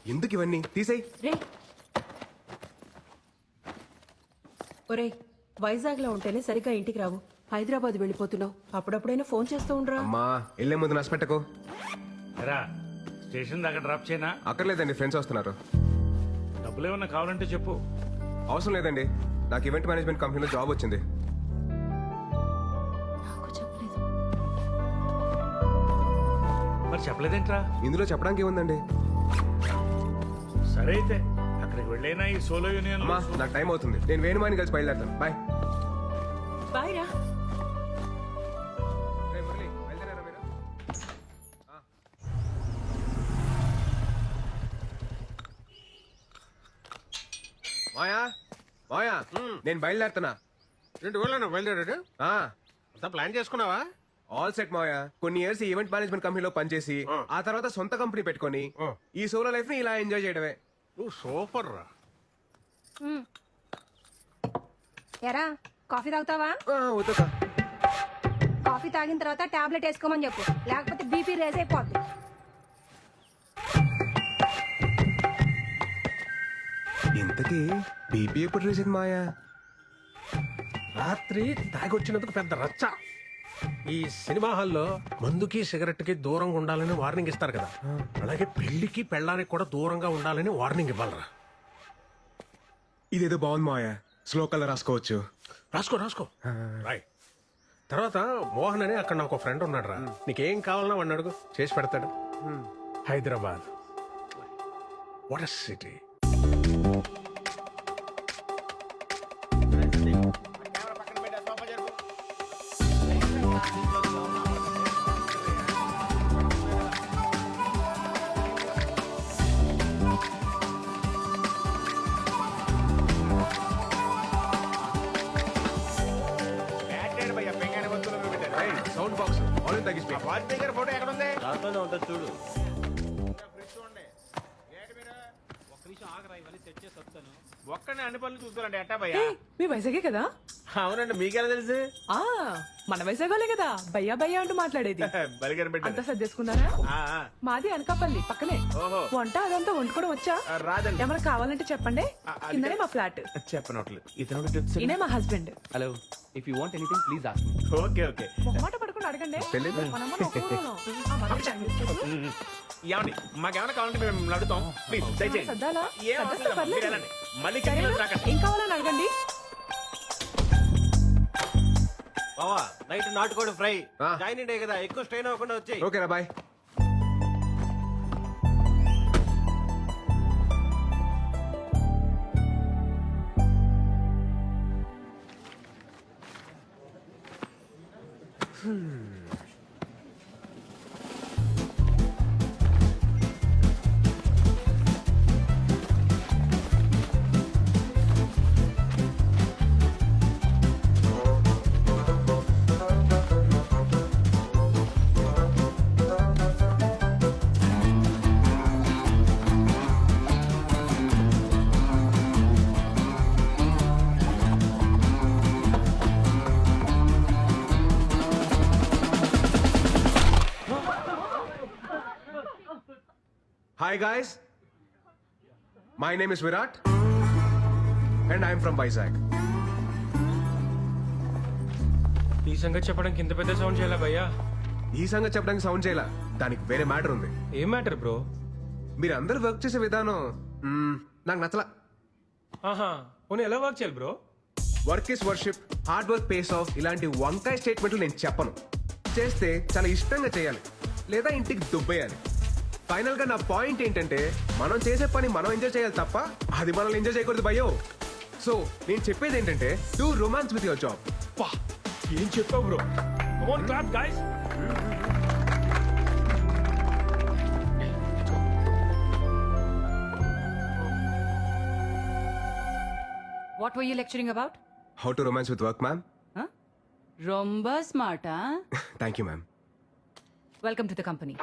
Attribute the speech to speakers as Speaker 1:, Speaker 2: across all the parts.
Speaker 1: ఎందుకు ఇవన్నీ తీసేయ్.
Speaker 2: రే ఒరేయ్, వైజాగ్ లో ఉంటేనే సరిగ్గా ఇంటికి రావు. హైదరాబాద్ వెళ్ళిపోతున్నావు. అప్పుడప్పుడైనా ఫోన్ చేస్తూ ఉండరా.
Speaker 1: అమ్మా వెళ్ళే ముందు నష్టపెట్టకు.
Speaker 3: రా స్టేషన్ దాకా డ్రాప్ చేయనా?
Speaker 1: అక్కర్లేదండి, ఫ్రెండ్స్ వస్తున్నారు.
Speaker 3: డబ్బులు ఏమన్నా కావాలంటే చెప్పు.
Speaker 1: అవసరం లేదండి, నాకు ఈవెంట్ మేనేజ్మెంట్ కంపెనీలో జాబ్ వచ్చింది.
Speaker 2: నాకు చెప్పలేదు.
Speaker 3: మరి చెప్పలేదేంట్రా?
Speaker 1: ఇందులో చెప్పడానికి ఏముందండి.
Speaker 3: సరే అయితే అక్కడికి వెళ్ళైనా ఈ సోలో యూనియన్
Speaker 1: అమ్మా నాకు టైం అవుతుంది, నేను వేణుమాని కలిసి బయలుదేరుతాను. బాయ్.
Speaker 2: బాయ్ రా.
Speaker 1: మాయా మాయా, నేను బయలుదేరుతున్నా.
Speaker 4: రెండు ఊళ్ళో బయలుదేరాడు. అంతా ప్లాన్ చేసుకున్నావా?
Speaker 1: All set Maya. కొన్ని ఇయర్స్ ఈవెంట్ మేనేజ్మెంట్ కంపెనీలో పనిచేసి ఆ తర్వాత సొంత కంపెనీ పెట్టుకొని ఈ సోలో లైఫ్ ని ఇలా ఎంజాయ్ చేయడమే.
Speaker 4: నువ్వు సూపర్ రా.
Speaker 5: ఎరా కాఫీ తాగుతావా?
Speaker 1: వద్దుకా.
Speaker 5: కాఫీ తాగిన తర్వాత టాబ్లెట్ వేసుకోమని చెప్పు, లేకపోతే బీపీ రేజ్ అయిపోద్ది.
Speaker 1: ఇంతకీ బీపీ ఎప్పుడు రేసింది మాయా?
Speaker 4: రాత్రి తాగొచ్చినందుకు పెద్ద రచ్చ. ఈ సినిమా హాల్లో మందుకి సిగరెట్ కి దూరంగా ఉండాలని వార్నింగ్ ఇస్తారు కదా, అలాగే పెళ్లికి పెళ్ళానికి కూడా దూరంగా ఉండాలని వార్నింగ్ ఇవ్వాలరా.
Speaker 1: ఇదేదో బాగుంది మాయా, స్లో కలర్ రాసుకోవచ్చు.
Speaker 4: రాసుకో రాసుకో. రాయ్. తర్వాత మోహన్ అని అక్కడ నాకు ఫ్రెండ్ ఉన్నాడు రా, నీకేం కావాలన్నా వాడిని అడుగు, చేసి పెడతాడు. Hyderabad what a city.
Speaker 1: Sound box already తగ్గిస్తే
Speaker 4: ఫోటో ఎక్కడ ఉంది?
Speaker 6: దాంట్లోనే ఉంటుంది చూడు.
Speaker 4: ఒక్కనే అన్ని పనులు చూస్తారండి ఎట్టా భయ్యా?
Speaker 2: మీ వైజాగే కదా?
Speaker 4: అవునండి, మీకెలా తెలుసు?
Speaker 2: ఆ మన వైజాగోలే కదా భయ్యా భయ్యా అంటూ మాట్లాడేది.
Speaker 4: బలిగారు
Speaker 2: అంతా
Speaker 4: పెట్టారు.
Speaker 2: సర్దేసుకున్నారా? మాది అనకాపల్లి పక్కనే.
Speaker 4: ఓహో.
Speaker 2: వంట అదంతా వండుకోవడం వచ్చా?
Speaker 4: రాదండి.
Speaker 2: ఏమైనా కావాలంటే చెప్పండి. కిందనే మా ఫ్లాట్.
Speaker 4: చెప్పనట్లు ఇతను టిప్స్.
Speaker 2: ఈయనే మా husband.
Speaker 6: Hello, if you want anything please ask me.
Speaker 4: Okay okay.
Speaker 2: మొహమాట పడుకుని అడగండి.
Speaker 1: తెలీదు.
Speaker 2: మనమ్మ ఒప్పుకోను. ఆ, మనం చెప్పు.
Speaker 4: ఏమండి మాకేమైనా కావాలంటే మేము అడుగుతాం, ప్లీజ్ దయచేసి.
Speaker 2: సర్దాలా?
Speaker 4: ఏం అవసరం
Speaker 2: సర్దేస్తే
Speaker 4: లేదు, మీరు
Speaker 2: పర్లేదు.
Speaker 4: వెళ్ళండి. మళ్ళీ
Speaker 2: సరేనా?
Speaker 4: కిందకి రాకండి.
Speaker 2: ఏం కావాలని అడగండి.
Speaker 6: బావా నైట్ నాటుకోడి ఫ్రై.
Speaker 1: ఆ.
Speaker 6: జాయిన్ డే కదా, ఎక్కువ స్ట్రెయిన్ అవ్వకుండా వచ్చాయి.
Speaker 1: ఓకేనా bye. Hi guys, my name is Virat and I am from Vizag.
Speaker 7: ఈ సంగతి చెప్పడానికి ఇంత పెద్ద సౌండ్ చేయాలా భయ్యా?
Speaker 1: ఈ సంగతి చెప్పడానికి సౌండ్ చేయాల, దానికి వేరే మ్యాటర్ ఉంది.
Speaker 7: ఏం మ్యాటర్ బ్రో?
Speaker 1: మీరు అందరూ వర్క్ చేసే విధానం నాకు నచ్చలా.
Speaker 7: ఆహా, పోనీ ఎలా వర్క్ చేయాలి bro?
Speaker 1: Work is worship, hard work pays off, ఇలాంటి వంకాయ స్టేట్మెంట్లు నేను చెప్పను. చేస్తే చాలా ఇష్టంగా చేయాలి, లేదా ఇంటికి దుబ్బేయాలి. ఫైనల్ గా నా పాయింట్ ఏంటంటే, మనం చేసే పని మనం ఎంజాయ్ చేయాలి తప్ప అది మనల్ని ఎంజాయ్ చేయకూడదు భయ్యో. సో నేను చెప్పేది ఏంటంటే, do romance with your job.
Speaker 7: పా ఏం చెప్పావు bro? Come on clap guys.
Speaker 8: What were you lecturing about?
Speaker 1: How to romance with work ma'am.
Speaker 8: Huh? Romba smart, huh?
Speaker 1: Thank you ma'am.
Speaker 8: Welcome to the company.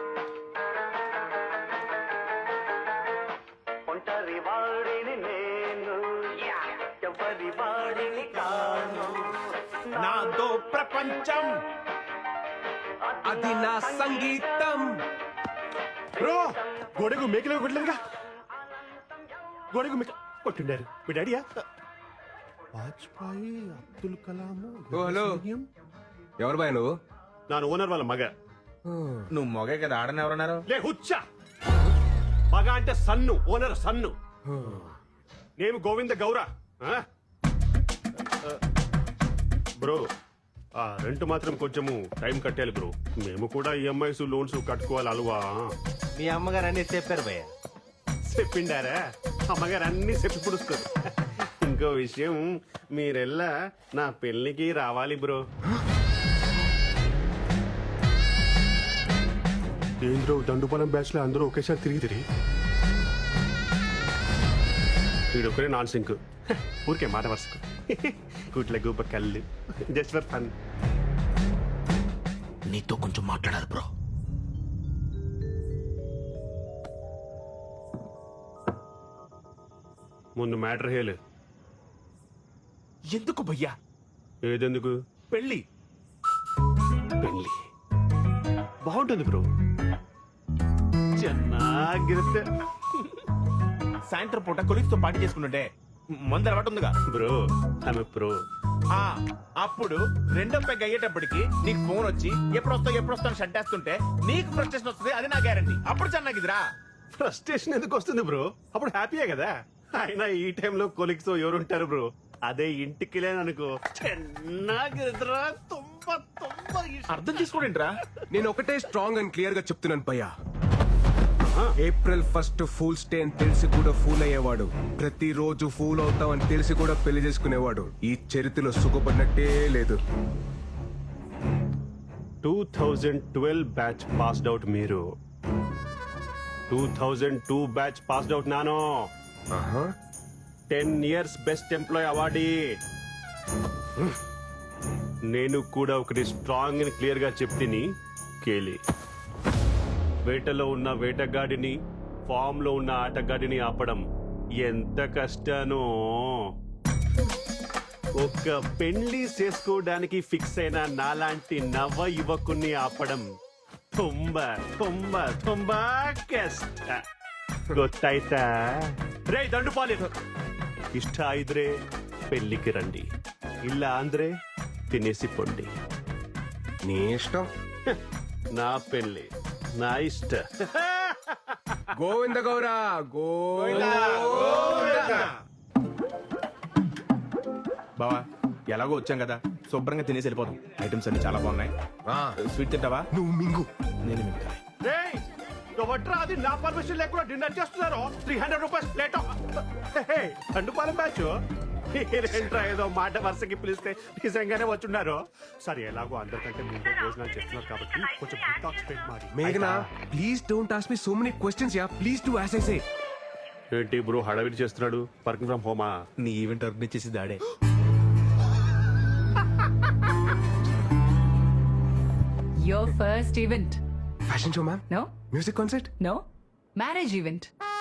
Speaker 4: నాదో ప్రపంచం,
Speaker 1: అది నా సంగీతం.
Speaker 4: Bro గోడకు మేకలు కొట్టలేదుగా.
Speaker 9: గోడకు కొట్టిండారు మీ డాడీయా వాజ్పాయి అబ్దుల్ కలాం
Speaker 1: ఓ హలో ఎవరు బాయ్ నువ్వు?
Speaker 9: నాను ఓనర్ వాళ్ళ మగ
Speaker 6: నువ్వు మొగే కదా ఆడని ఎవరన్నారు?
Speaker 9: లే హుచ్చా మగ అంటే సన్ను ఓనర్ సన్ను నేను గోవింద గౌర బ్రో ఆ రెంట్ మాత్రం కొంచెము టైం కట్టాలి బ్రో మేము కూడా ఈఎంఐస్ లోన్స్ కట్టుకోవాలి అలవా
Speaker 6: మీ అమ్మగారు అన్ని చెప్పారు భయ్య.
Speaker 9: చెప్పిండారా అమ్మగారు అన్ని చెప్పి పుడుస్తారు ఇంకో విషయం మీరెల్లా నా పెళ్లికి రావాలి బ్రో ఏంద్రో దండుపాలెం బ్యాచ్ లో అందరూ ఒకేసారి తిరిగి వీడొకరే నాన్ సింక్ ఊరికే మాట వరుసకు గుట్ల గూప కళ్ళు జస్ట్ ఫర్ ఫన్
Speaker 6: నీతో కొంచెం మాట్లాడాలి బ్రో.
Speaker 9: ముందు మ్యాటర్ హేలు
Speaker 6: ఎందుకు భయ్యా?
Speaker 9: ఏదెందుకు
Speaker 6: పెళ్ళి
Speaker 9: పెళ్లి బాగుంటుంది బ్రో ಚೆನ್ನಾಗಿರುತ್ತೆ
Speaker 6: సాయంత్రం పూట కొలీగ్స్ తో పార్టీ చేసుకుంటుంటే మందు అలవాటు ఉందిగా
Speaker 9: బ్రో ఆమె ప్రో
Speaker 6: ఆ, అప్పుడు రెండో పెగ్ అయ్యేటప్పటికి నీకు ఫోన్ వచ్చి ఎప్పుడు వస్తావు షట్ వేస్తుంటే నీకు ఫ్రస్ట్రేషన్ వస్తుంది, అది నా గ్యారంటీ. అప్పుడు చెన్నాగిదిరా.
Speaker 9: ఫ్రస్ట్రేషన్ ఎందుకు వస్తుంది బ్రో అప్పుడు హ్యాపీయే కదా అయినా ఈ టైంలో కొలిక్స్ ఎవరు ఉంటారు బ్రో అదే ఇంటికి లేననుకో ಚೆನ್ನಾಗಿರುತ್ತరా తుంబ తుంబ
Speaker 6: అర్థం చేసుకోండిరా.
Speaker 1: నేను ఒకటే స్ట్రాంగ్ అండ్ క్లియర్ గా చెప్తున్నాను భయ్యా. ఏప్రిల్ 1 ఫూల్స్ డే అని తెలిసి కూడా ఫూల్ అయ్యేవాడు, ప్రతిరోజు ఫూల్ అవుతాం అని తెలిసి కూడా పెళ్లి చేసుకునేవాడు ఈ చరిత్రలో సుఖపడినట్టే లేదు.
Speaker 9: 2012 బ్యాచ్ పాస్డ్ అవుట్ మీరు 2002 బ్యాచ్ పాస్డ్ అవుట్ నాను
Speaker 1: ఆహా.
Speaker 9: 10 ఇయర్స్ బెస్ట్ ఎంప్లాయ్ అవార్డీ నేను కూడా ఒకటి స్ట్రాంగ్ అండ్ క్లియర్ గా చెప్తిని కేలి వేటలో ఉన్న వేటగాడిని ఫామ్ లో ఉన్న ఆటగాడిని ఆపడం ఎంత కష్టానో ఒక పెళ్లి చేసుకోవడానికి ఫిక్స్ అయిన నాలాంటి నవ యువకుని ఆపడం ತುಂಬಾ ತುಂಬಾ ತುಂಬಾ ಕಷ್ಟ ಗೊತ್ತಾಯ್ತಾ ರೇ ದಂಡುಪಾಲಿ ಇಷ್ಟ ಇದ್ರೆ పెళ్లికి రండి ಇಲ್ಲ ಅಂದ್ರೆ తినేసి పొండి
Speaker 1: నీ ఇష్టం.
Speaker 9: నా పెళ్లి నా ఇష్ట
Speaker 1: గోవింద గౌరా గోవింద.
Speaker 6: బావా ఎలాగో వచ్చాం కదా, శుభ్రంగా తినేసి వెళ్ళిపోతాం. ఐటమ్స్ అన్ని చాలా బాగున్నాయి. స్వీట్ తింటావా?
Speaker 1: నువ్వు మింగు.
Speaker 6: నేను మిగతా.
Speaker 9: రేయ్ ఎవట్రా అది నా పర్మిషన్ లేకుండా డిన్నర్ చేస్తున్నారు 300 రూపీస్ ప్లేట్ దండుపాలెం బ్యాచ్ ఏంట్రా ఏదో మాట వరుసకి పిలిస్తే నిజంగానే వచ్చున్నారు సరే ఎలాగో అందరికంటే ముందు భోజనాలు చేస్తున్నారు కాబట్టి కొంచెం స్పెండ్ ಮಾಡಿ
Speaker 1: మేఘనా please don't ask me so many questions ya, please do as I say.
Speaker 9: ఏంటి బ్రో హడావిడి చేస్తున్నాడు వర్కింగ్ ఫ్రమ్ హోమా
Speaker 6: నీ ఈవెంట్ ఆర్గనైజ్ చేసి దాడే.
Speaker 8: Your first event.
Speaker 1: Fashion show ma'am,
Speaker 8: No?
Speaker 1: Music concert.
Speaker 8: No? Marriage event.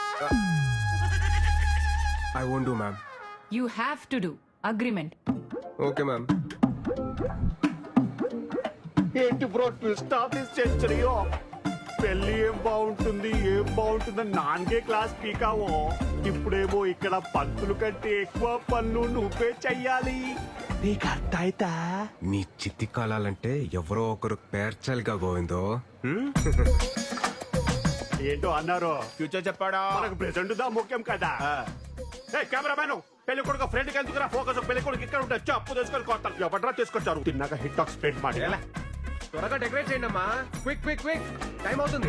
Speaker 1: I won't do ma'am.
Speaker 8: You have to do. Agreement.
Speaker 1: Okay ma'am.
Speaker 9: ఏంటి bro twist of this సెంచరీయో పెళ్లి ఏం బాగుంటుందని నాన్గే class పీకావో ఇప్పుడేమో ఇక్కడ పంతులు కంటే ఎక్కువ పనులు నువ్వే చెయ్యాలి నీకు అర్థమైతా
Speaker 1: నీ చిత్తి కాలాలంటే ఎవరో ఒకరు పేర్చాలిగా గోవిందో.
Speaker 9: ఏంటో అన్నారు
Speaker 6: ఫ్యూచర్ చెప్పాడా?
Speaker 9: మనకు ప్రెసెంట్ దా ముఖ్యం కదా కెమెరామ్యాన్ పెళ్లి కొడుకు ఫ్రెండ్ కి ఎందుకురా ఫోకస్ పెళ్లి కొడుకు ఇక్కడ ఉంటే అప్పు తీసుకొని కొడతాను ఎవడరా తీసుకొచ్చారు తిన్నాక హిట్ టాక్ స్ప్రెడ్ ಮಾಡಿ
Speaker 1: త్వరగా డెకరేట్ చేయండి అమ్మా. క్విక్ క్విక్ క్విక్, టైం అవుతుంది.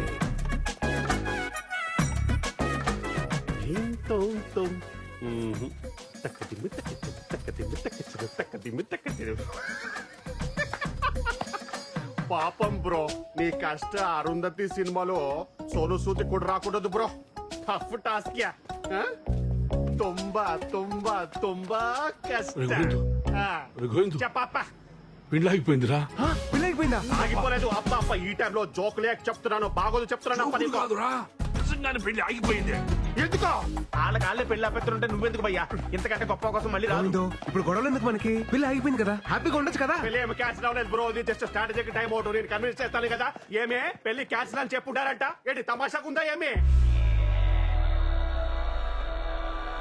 Speaker 9: పాపం బ్రో నీ కష్ట అరుంధతి సినిమాలో సోను సూది కూడా రాకూడదు బ్రో టఫ్ టాస్క్ యా ತುಂಬಾ ತುಂಬಾ ತುಂಬಾ కష్ట చెప్పప్ప
Speaker 3: పెళ్ళి అయిపోయిందిరా.
Speaker 1: పెళ్ళి అయిపోయిందా?
Speaker 9: ఆగిపోలేదు అప్ప అప్ప ఈ టైంలో జోక్ లేక చెప్తున్నాను బాగోదు చెప్తున్నాను అప్ప నీకు.
Speaker 3: నిజంగానే పెళ్లి ఆగిపోయింది.
Speaker 9: ఎందుకో
Speaker 6: వాళ్ళ పెళ్లి అప్పేస్తుంటే నువ్వెందుకు భయ్యా? ఇంతకంటే గొప్ప కోసం మళ్ళీ రాదు.
Speaker 1: గోవిందో ఇప్పుడు గొడవలు ఎందుకు మనకి? పెళ్ళి అయిపోయింది కదా, హ్యాపీగా ఉండొచ్చు కదా.
Speaker 9: పెళ్లి ఏమి క్యాన్సిల్ అవ్వలేదు బ్రో ఇది జస్ట్ స్ట్రాటజీకి టైం అవుట్ నేను కన్విన్స్ చేస్తాను కదా ఏమే పెళ్లి క్యాన్సిల్ అని చెప్పుంటారంట ఏంటి తమాషాకుందా ఏమి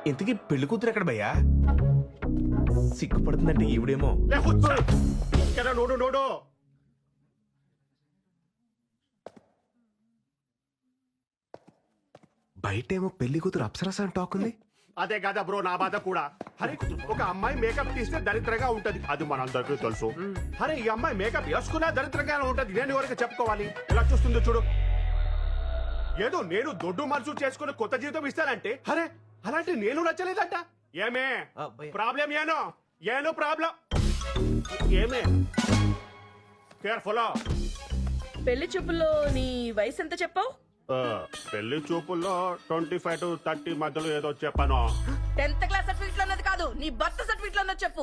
Speaker 6: ఇంతకీ పెళ్లి కూతురు ఎక్కడ భయ్యా? సిగ్గుపడుతుందంటే ఈవిడేమో.
Speaker 9: లే, కూర్చో. ఇక్కడ నోడు నోడు.
Speaker 1: బయటేమో పెళ్లి కూతురు అప్సరస అని టాక్ ఉంది.
Speaker 9: అదే కదా బ్రో నా బాధ కూడా. అరే ఒక అమ్మాయి మేకప్ తీస్తే దరిద్రంగా ఉంటది, అది మనందరికీ తెలుసు. అరే ఈ అమ్మాయి మేకప్ వేసుకున్నా దరిద్రంగా ఉంటది, నేను ఎవరికి చెప్పుకోవాలి? ఇలా చూస్తుందో చూడు. ఏదో నేను దొడ్డు మనసు చేసుకుని కొత్త జీవితం ఇస్తానంటే, అరే అలాంటి నేను నచ్చలేదంట. ఏమే ప్రాబ్లం? ఏనో ప్రాబ్లం ఏమే? కేర్ఫుల్.
Speaker 2: పెళ్లి చూపుల్లో నీ వయసు ఎంత చెప్పావు?
Speaker 9: పెళ్లి చూపుల్లో 25 to 30 మధ్యలో ఏదో చెప్పాను.
Speaker 2: 10th క్లాస్ సర్టిఫికెట్ లో ఉన్నది కాదు, నీ బర్త్ సర్టిఫికెట్ లో ఉన్నది చెప్పు.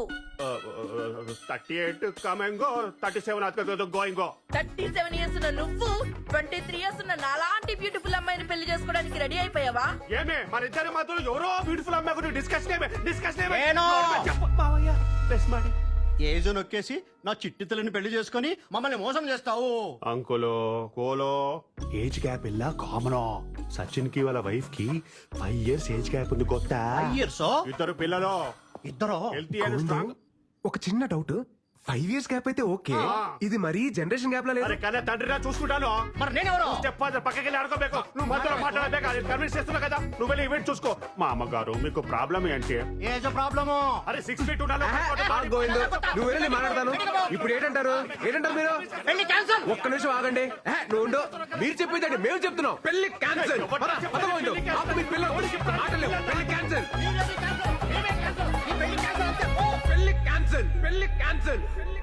Speaker 9: 38 కమింగో, 37 గోయింగో.
Speaker 2: 37 ఇయర్స్ ఉన్న నువ్వు 23 ఇయర్స్ ఉన్న నాలాంటి బ్యూటిఫుల్ అమ్మాయిని పెళ్లి చేసుకోవడానికి రెడీ అయిపోయావా?
Speaker 9: ఏమే మన ఇద్దరి మధ్యలో ఎవరో బ్యూటిఫుల్ అమ్మాయి గురించి డిస్కషన్
Speaker 10: ఏనో?
Speaker 9: ప్లస్ మాడి
Speaker 10: ఏజో నొక్కేసి నా చిట్టి తల్లిని పెళ్లి చేసుకుని మమ్మల్ని మోసం చేస్తావు.
Speaker 9: అంకులో కోలో ఏజ్ గ్యాప్ ఇలా కామన్. సచిన్ కి వాళ్ళ వైఫ్ కి 5 years ఏజ్ గ్యాప్ ఉంది. కొత్త
Speaker 10: ఇయర్సో
Speaker 9: ఇద్దరు పిల్లలు,
Speaker 10: ఇద్దరు
Speaker 9: హెల్తీ అండ్ స్ట్రాంగ్.
Speaker 1: ఒక చిన్న డౌట్, 5 years గ్యాప్ అయితే ఓకే, ఇది మరీ జనరేషన్ గ్యాప్ లా లేదు.
Speaker 9: అరే కన్నా తండ్రిరా చూసుకుంటాను.
Speaker 10: మరి నేనెవరు?
Speaker 9: స్టెప్ ఫాదర్ పక్కకి వెళ్ళి ఆడుకోಬೇಕು. నువ్వు మధ్యలో మాట్లాడబేక, అది కన్విన్స్ చేస్తున్నా కదా. నువ్వు వెళ్ళి ఈవెంట్ చూసుకో. మా అమ్మగారు మీకు ప్రాబ్లం ఏంటి?
Speaker 10: ఏజో ప్రాబ్లము.
Speaker 9: అరే 6 feet ఉండాలి.
Speaker 1: గోవిందు నువ్వు వెళ్ళి మాట్లాడతాను. ఇప్పుడు ఏంటంటారు మీరు?
Speaker 10: పెళ్లి క్యాన్సల్.
Speaker 1: ఒక్క నిమిషం ఆగండి. నువ్వు ఉండు. మీరు చెప్పేదండి మేము చెప్తున్నాం. పెళ్లి క్యాన్సల్. పెళ్లి క్యాన్సల్. పెళ్లి క్యాన్సల్.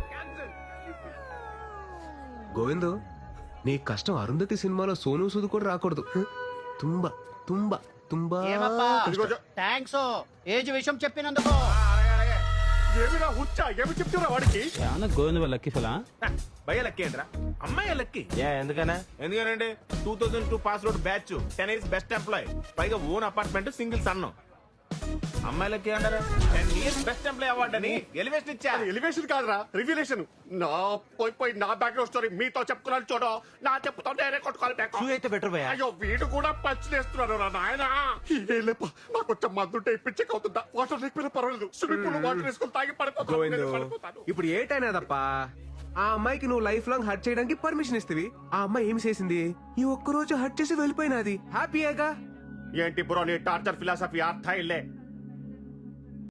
Speaker 1: గోవిందు నీ కష్టం అరుంధతి సినిమాలో సోను సూద్ కూడా రాకూడదు. తుంబా తుంబా తుంబా.
Speaker 10: థ్యాంక్స్ ఏజ్ విషయం చెప్పినందుకు.
Speaker 9: ఏమిరా హుచ్చా, ఏమి చెప్తున్నా వాడికి?
Speaker 7: గోవింద లక్కీ ఫలా
Speaker 6: భయ్య లక్కీ ఏంట్రా? అమ్మాయి లక్కీ. ఎందుకనండి 2002 pass out batch, 10 years best employee, పైగా ఓన్ అపార్ట్మెంట్, సింగిల్ సన్. అమ్మాయిలకి అంటారా 10 years బెస్ట్ ఎంప్లాయ్ అవార్డు అని ఎలివేషన్ ఇచ్చా.
Speaker 9: ఎలివేషన్ కాదురా, రివ్యులేషన్. నా పోయి నా బ్యాక్గ్రౌండ్ స్టోరీ మీతో చెప్పుకున్నాను చూడు. నా చెప్పుతో నేనే కొట్టుకోవాలి బ్యాక్.
Speaker 10: అయితే బెటర్ భయ్యా.
Speaker 9: అయ్యో వీడు కూడా పంచులేస్తున్నాడు రా నాయన. నాకు కొంచెం మందుంటే పిచ్చిక్ అవుతుందా? వాటర్ లేకపోయినా పర్వాలేదు, స్విమ్మింగ్ పూల్ వాటర్ వేసుకొని తాగి
Speaker 1: గోవిందు
Speaker 9: పడిపోతాను.
Speaker 1: ఇప్పుడు ఏటైనా తప్ప ఆ అమ్మాయికి నువ్వు లైఫ్ లాంగ్ హర్ట్ చేయడానికి పర్మిషన్ ఇస్తవి. ఆ అమ్మాయి ఏమి చేసింది? ఈ ఒక్క రోజు హర్ట్ చేసి వెళ్ళిపోయినది. హ్యాపీయేగా?
Speaker 9: ఏంటి బ్రో నీ టార్చర్ ఫిలాసఫీ? అర్థ ఇల్లే